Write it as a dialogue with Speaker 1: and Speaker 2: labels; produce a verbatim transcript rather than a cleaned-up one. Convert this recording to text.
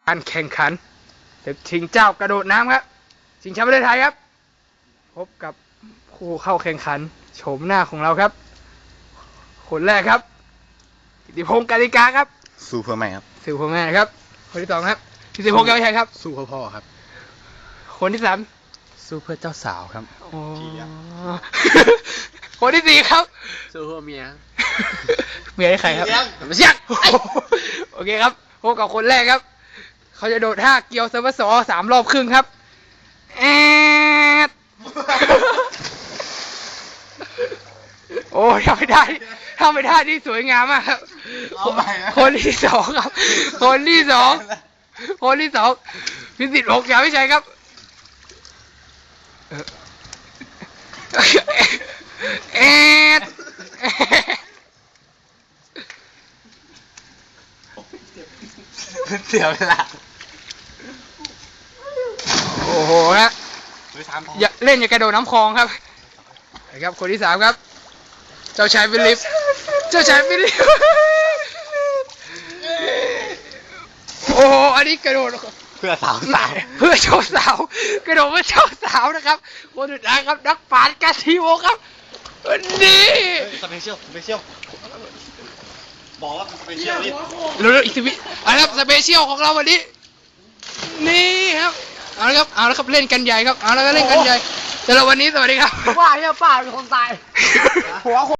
Speaker 1: การแข่งขันศึกชิงเจ้ากระโดดน้ำครับชิงแชมป์ประเทศไทยครับพบกับผู้เข้าแข่งขันโฉมหน้าของเราครับคนแรกครับกิติพงศ์กาลิกาครับ
Speaker 2: สู้เพื่อแม่ครับ
Speaker 1: สื่อพ่อแม่ครับคนที่สองครับกิติพงศ์แก้วชัยครับ
Speaker 2: สู้เพื่อพ่อครับ
Speaker 1: คนที่สาม
Speaker 2: สู้เพื่อเจ้าสาวครับ
Speaker 1: อ๋อคนที่สี่ครับ
Speaker 3: สู้เพื่อเมีย
Speaker 1: เมียให้ใครครับไม่ใช่โอเคครับพบกับคนแรกครับเขาจะโดดท่าเกียวเซอร์ฟสอสามรอบครึ่งครับแอดโอ้ทำไม่ได้ทำไม่ได้ที่สวยงามมากครับคนที่สองครับคนที่สองคนที่สองพิสิทธิ์หกยาวิชัยครับแอด
Speaker 2: เสียเวลา
Speaker 1: โอ้โหฮะอย่าเล่นอย่ากระโดดน้ำคลองครับนะครับคนที่สามครับเจ้าชายฟิลิปเจ้าชายฟิลิปโอ้โหอันนี้กระโดด
Speaker 2: เพื่อสาวสาว
Speaker 1: เพื่อโชว์สาวกระโดดเพื่อโชว์สาวนะครับคนสุดท้ายครับนักปราชญ์กาซิโอครับนี่
Speaker 2: สเปเชียลสเปเชียลบอกว่าสเปเชียลนี่
Speaker 1: เร็วๆอีกสิบวิเอาละครับสเปเชียลของเราวันนี้นี่ครับเอาละครับเอาละครับเล่นกันใหญ่ครับเอาละก็เล่นกันใหญ่สำหรับวันนี้สวัสดีครับ
Speaker 3: ว่าเนี่ยป้าเป็นคนตายหัว